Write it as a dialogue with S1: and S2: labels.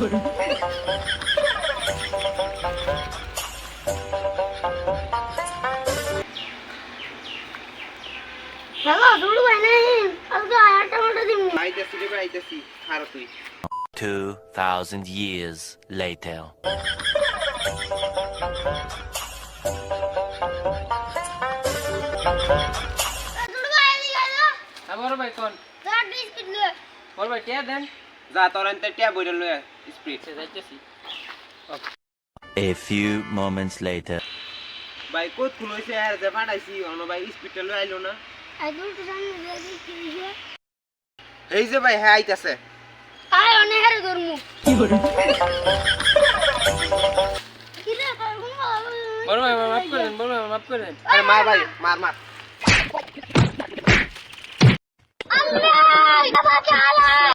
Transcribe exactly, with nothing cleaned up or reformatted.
S1: হ্যালো দুলু ভাই নাই আজকে আয়াটা মতো দিন
S2: আইতাছি রে ভাই আইতাছি খারাপ তুই
S3: Two thousand years later.
S1: Dulu ভাই এদিকে আয়
S4: হ্যাঁ বড় ভাই কোন
S1: দশ বিস্কিট নে
S4: বড় ভাই কে দেন
S2: যা তোর আনতে টিয়া বইরা লয়া স্পিড
S4: সে যাইতেছি
S3: A few moments later.
S2: ভাই কত খুন হইছে আর যে ফাটাইছি অন ভাই স্পিডটা লই আইলো না
S1: আই দুলু তো জানি যে কি হইছে
S2: এই যে ভাই হ্যাঁ আইতাছে
S1: আয় অনেক হারে ধরমু কি করে কি রে করমু
S4: বড় ভাই মাফ করে দেন বড় ভাই মাফ করে দেন
S2: আরে মার ভাই মার মার
S1: আল্লাহ বাবা চালা